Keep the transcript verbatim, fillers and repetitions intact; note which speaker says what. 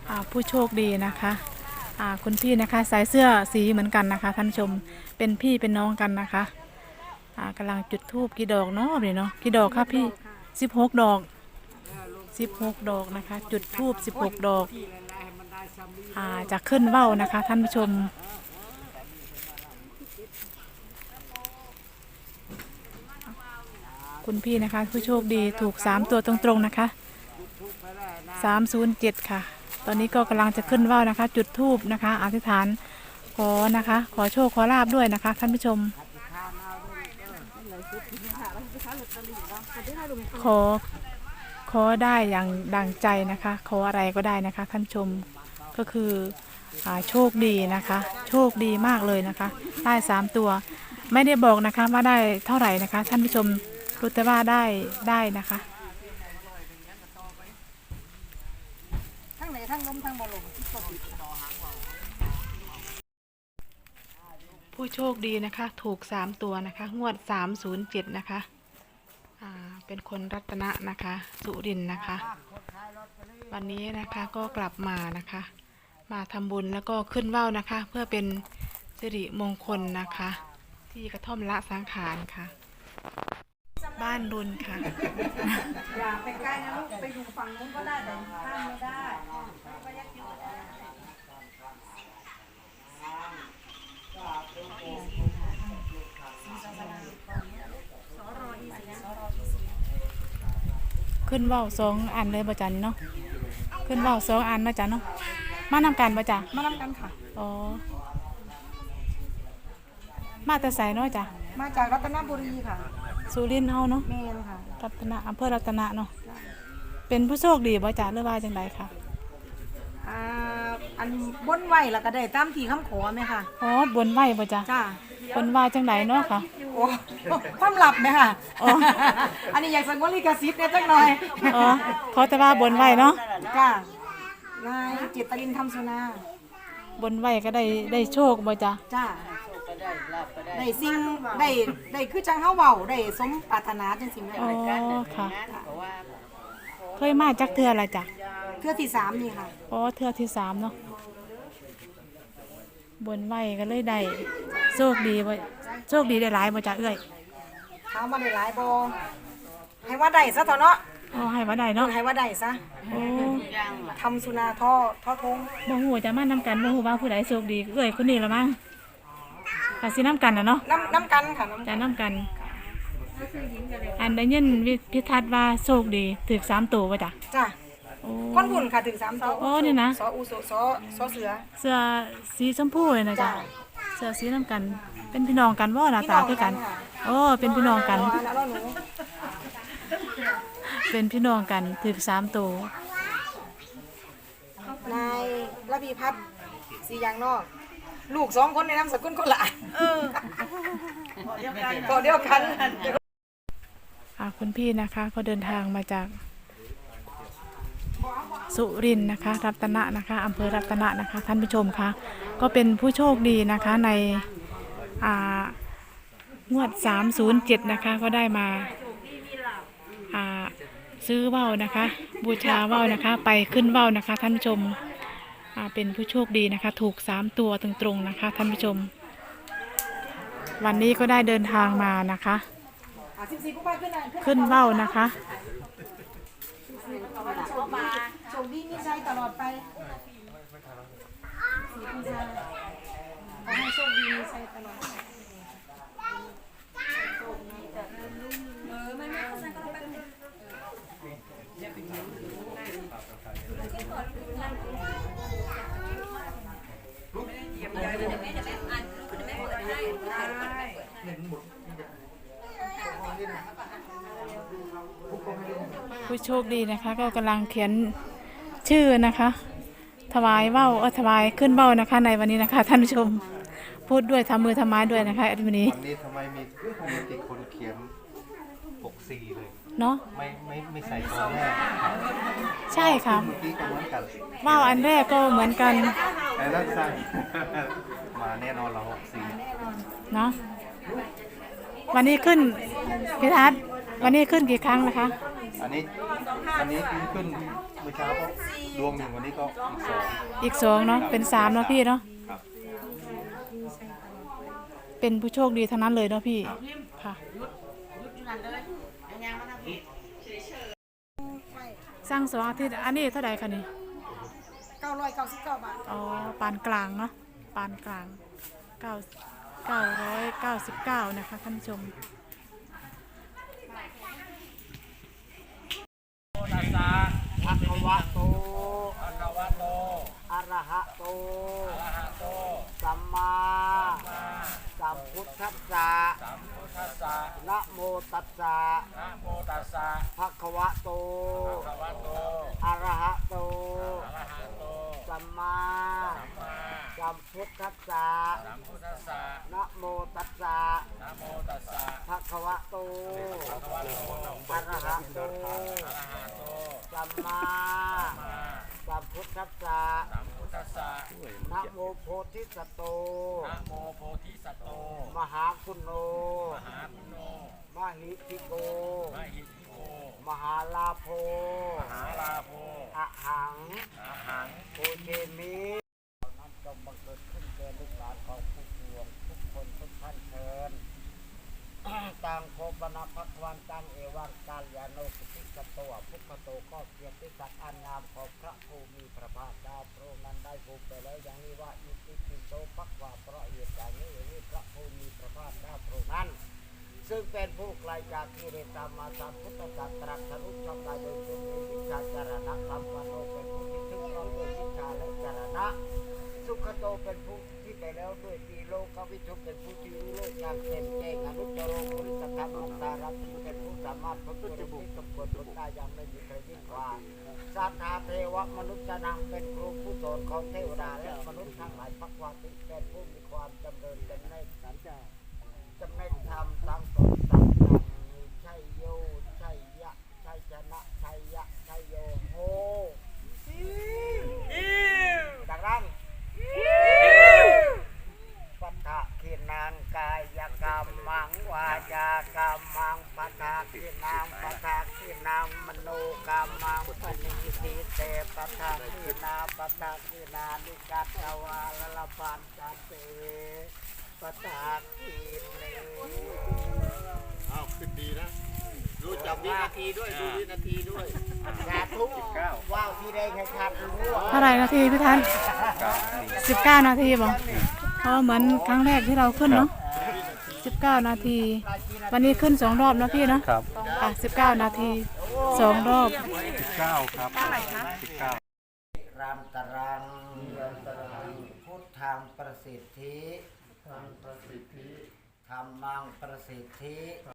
Speaker 1: ผู้โชคดีนะคะคุณพี่นะคะใส่เสื้อสีเหมือนกันนะคะท่านชมเป็นพี่เป็นน้องกันนะคะกำลังจุดธูปกี่ดอกเนาะเนี่ยเนาะกี่ดอกครับพี่สิบหกดอกสิบหกดอกนะคะจุดธูปสิบหกดอกจะขึ้นเว้านะคะท่านผู้ชมคุณพี่นะคะผู้โชคดีถูกสามตัวตรงๆนะคะสามศูนย์เจ็ดค่ะตอนนี้ก็กำลังจะขึ้นว่าวนะคะจุดธูปนะคะอธิษฐานขอนะคะขอโชคขอลาบด้วยนะคะท่านผู้ชมขอขอได้อย่างดังใจนะคะขออะไรก็ได้นะคะท่านผู้ชมก็คือโชคดีนะคะโชคดีมากเลยนะคะได้สามตัวไม่ได้บอกนะคะว่าได้เท่าไหร่นะคะท่านผู้ชมรู้แต่ว่าได้ได้นะคะทั้งไหนทั้งล้มทั้งบอลมผู้โชคดีนะคะถูกสามตัวนะคะงวดสามศูนย์เจ็ดนะคะอ่าเป็นคนรัตนะนะคะสุรินทร์นะคะวันนี้นะคะก็กลับมานะคะมาทำบุญแล้วก็ขึ้นว่าวนะคะเพื่อเป็นสิริมงคลนะคะที่กระท่อมละสังขารค่ะบ้านรุนค่ะ
Speaker 2: อย่าไปใกล้นะลูกไปอยู่ฝั่งนู้นก็ได้แต่ข้ามไม่ได้
Speaker 1: ขึ้นว่าวสองอันเลยบ่จันเนาะขึ้นว่าวสองอันนะจ๊ะเนาะมานำกันบ่จ๊ะ
Speaker 2: มานำกันค่ะ
Speaker 1: อ๋อมาแต่ไสเนาะจ๊ะ
Speaker 2: มาจากรัตนบุรีค่ะ
Speaker 1: สุรินทร์เฮาเนาะ
Speaker 2: แม่นค่ะ
Speaker 1: รัตนะอำเภอรัตนะเนาะเป็นผู้โชคดีบ่จ๊ะหรือว่าจังไดค่ะ
Speaker 2: อ่าอันบนไหวแล้วก็ได้ตามที่คำขอไหมค่ะ
Speaker 1: อ๋อบนไหวบ่จ๊ะ
Speaker 2: จ้า
Speaker 1: บนว่าจังไดเนาะค่ะ
Speaker 2: โอ้ความลับไหมค่ะอันนี้อยากสังวรลิขสิทธิ์เนี่ยจังหน่อย
Speaker 1: อ๋อเขาแต่ว่าบนไหวเนาะ
Speaker 2: จ้านายจิตรินทำสุนา
Speaker 1: บนไหวก็ได้ได้โชคบ่จ๊ะ
Speaker 2: จ้าได้สิ่งได้ได้คือจังเฮาเว้าได้สมปรารถนาจังสิแม่
Speaker 1: อ๋อค่ะเคยมาจักเทื่อละจ๊ะ
Speaker 2: เทื่อที่สามนี่ค่ะ
Speaker 1: อ๋อเทื่อที่สามเนาะบนไหวก็เลยได้โชคดีบ่โชคดีได้หลายบ่จ๊ะเอ้ย
Speaker 2: ถามว่าได้หลายบ่ให้ว่าได้ซะเถอะเนาะ
Speaker 1: อ๋อให้ว่าได้เนาะ
Speaker 2: ให้ว่าได้ซะ
Speaker 1: โอ้
Speaker 2: ทำสุนาท่อท่อทง
Speaker 1: บ่ฮู้จะมานำกันบ่ฮู้ว่าผู้ใดโชคดีเอ้ยคนนี้ละมั้งก็สินำกันน่ะเนาะ
Speaker 2: นำนำกันค่ะ
Speaker 1: จะนำกันอันได้ยินพิทัศน์ว่าโชคดีถึกสามตัวบ่จ๊ะ
Speaker 2: จ้ะคนบุญค่ะถึงสามตัว
Speaker 1: โอ้นี่นะ
Speaker 2: สออูโสสอสอเสือ
Speaker 1: เสื้อสีชมพูเลยนะจ๊ะเสื้อสีน้ำกันเป็นพี่น้องกันบ่หน้าตาคือกันโอ้เป็นพี่น้องกันเป็นพี่น้องกันถึงสามตั
Speaker 2: วนายระพีพัฒน์สียางนอกลูกสองคนในนามสกุลคนละเออเดียวกันเดียวกัน
Speaker 1: คุณพี่นะคะก็เดินทางมาจากสุรินทร์นะคะรัตนะนะคะอำเภอรัตนะนะคะท่านผู้ชมคะก็เป็นผู้โชคดีนะคะในงวดสามศูนย์เจ็ดนะคะก็ได้มาซื้อว่าวนะคะบูชาว่าวนะคะไปขึ้นว่าวนะคะท่านผู้ชมเป็นผู้โชคดีนะคะถูกสามตัวตรงๆนะคะท่านผู้ชมวันนี้ก็ได้เดินทางมานะคะขึ้นว่าวนะคะ
Speaker 2: โชคดีมีใจตลอดไปขอให้โชคดีมีใจตลอดเออไม่ไม่เข้าใจก็ต้องไป
Speaker 1: ผู้โชคดีนะคะก็กำลังเขียนชื่อนะคะถวายว่าวเออถวายขึ้นว่าวนะคะในวันนี้นะคะท่านผู้ชมพูดด้วยทำมือทำไม้ด้วยนะคะวันนี้
Speaker 3: วันนี้ทำไมมีมีติคนเขียนปกสีเลย
Speaker 1: เนาะ
Speaker 3: ไม่ไม่ไม่ใส่ตัวแรก
Speaker 1: ใช่ค่ะ
Speaker 3: เมื่อกี้ก็เหมือนกัน
Speaker 1: ว่าวอันแรกก็เหมือนกัน
Speaker 3: แต่ละใส่มาแน่นอนเราหกสี
Speaker 1: เนาะวันนี้ขึ้นพิทัศน์วันนี้ขึ้นกี่ครั้งนะคะ
Speaker 3: อันนี้อันนี้ขึ้นเมื่อมื่อเช้าก็ดวงหนึ่งวันนี้ก็อีกสอง
Speaker 1: อีกสองเนาะเป็นสามเนาะพี่เนาะ
Speaker 3: ครับ
Speaker 1: เป็นผู้โชคดีทั้งนั้นเลยเนาะพี่ค่ะสร้างสองอาทิตย์อันนี้เท่าไหร่คะนี่
Speaker 2: เก้าร้อยเก้าสิบเก้าบาท
Speaker 1: อ๋อปานกลางเนาะปานกลางเก้าเก้าร้อยเก้าสิบเก้านะคะท่านผู้ชม
Speaker 4: ภะคะวะโตภะคะวะโต อะระหะโต อะระหะโต สัมมาสัมพุทธัสสะสัมพุทธัสสะนะโมตัสสะนะโมตัสสะภะคะวะโต ภะคะวะโต อะระหะโต อะระหะโต สัมมาสัมพุทธัสสะสัมพุทธัสสะนะโมตัสสะนะโมตัสสะภะคะวะโต ภะคะวะโต อะระหะโต อะระหะโต สัมมาสัมพุทธัสสะสัมพุทธัสสะนะโมโพธิสัตโตนะโมโพธิสัตโต มหาคุณโนมหาคุณโนมหิทิโกมหิทิโก มหาลาโภมหาลาโภอะหังอะหังโอเชมินั้นจงบังเกิดขึ้นแก่ลูกหลานของผู้ปวงทุกคนทุกท่านเชิญ ตังโคปนาภักวันตังเอวังกาลยาโนสุติกโตพุทธโตก็เกียรติศักดิ์อันงามของพระผู้มีพระภาคเจ้าพระองค์นั้นได้พูดไปแล้วอย่างนี้ว่าอิติปิโสภักวาเพราะเหตุอย่างนี้อย่างนี้พระผู้มีพระภาคเจ้าพระองค์นั้นซึ่งเป็นผู้ไกลจากกิเลสตามมาสามพุทธศาสตรัสทะลุช่องได้โดยทรงมีวิชาจารณะสัมปันโนเป็นผู้ที่ถึงพร้อมด้วยวิชาและจารณะสุขโตเป็นผู้ที่ไปแล้วด้วยตีโลกวิทุเป็นผู้ที่รู้โลกอย่างเต็มแจ้งอนุตตรโมริสธรรมอัตตารัตติเป็นผู้สามารถพ้นตัวที่สมควรพ้นได้อย่างไม่มีใครยิ่งกว่าสัทธาเทวมนุษย์นังเป็นครูผู้สอนของเทวดาและมนุษย์ทั้งหลายพักวาติเป็นผู้มีความจำเริญเป็นในสันจาจำในธรรมทั้งสองสัมพันธ์ชัยโยชัยยะชัยชนะชัยยะชัยโยโหดังนั้นปัฏฐะขีนังกายกรรมังวาจากรรมังปัฏฐะขีนังปัฏฐะขีนังมโนกรรมังปณิทิเตปัฏฐะขีนาปัฏฐะขีนานิกัตตวาลลปันจันเตปัฏฐะขีเน
Speaker 3: อ้าวขึ้นดีนะรู้จักวินาทีด้วยดูวินาทีด้วย
Speaker 4: สาธุว้าวที่ได้แค่ขาดรู้ว่า
Speaker 1: เท่าไหร่นาทีพี่ทันสิบเก้านาทีบอกเพราะเหมือนครั้งแรกที่เราขึ้นเนาะสิบเก้านาที วันนี้ขึ้นสองรอบนะพี่เนาะ
Speaker 3: ครับ
Speaker 1: อ่ะสิบเก้านาทีสองรอบ
Speaker 3: สิบเก้าครับสิบเก้า
Speaker 4: รันตรังพุทธังประสิทธิธรรมังประสิทธิ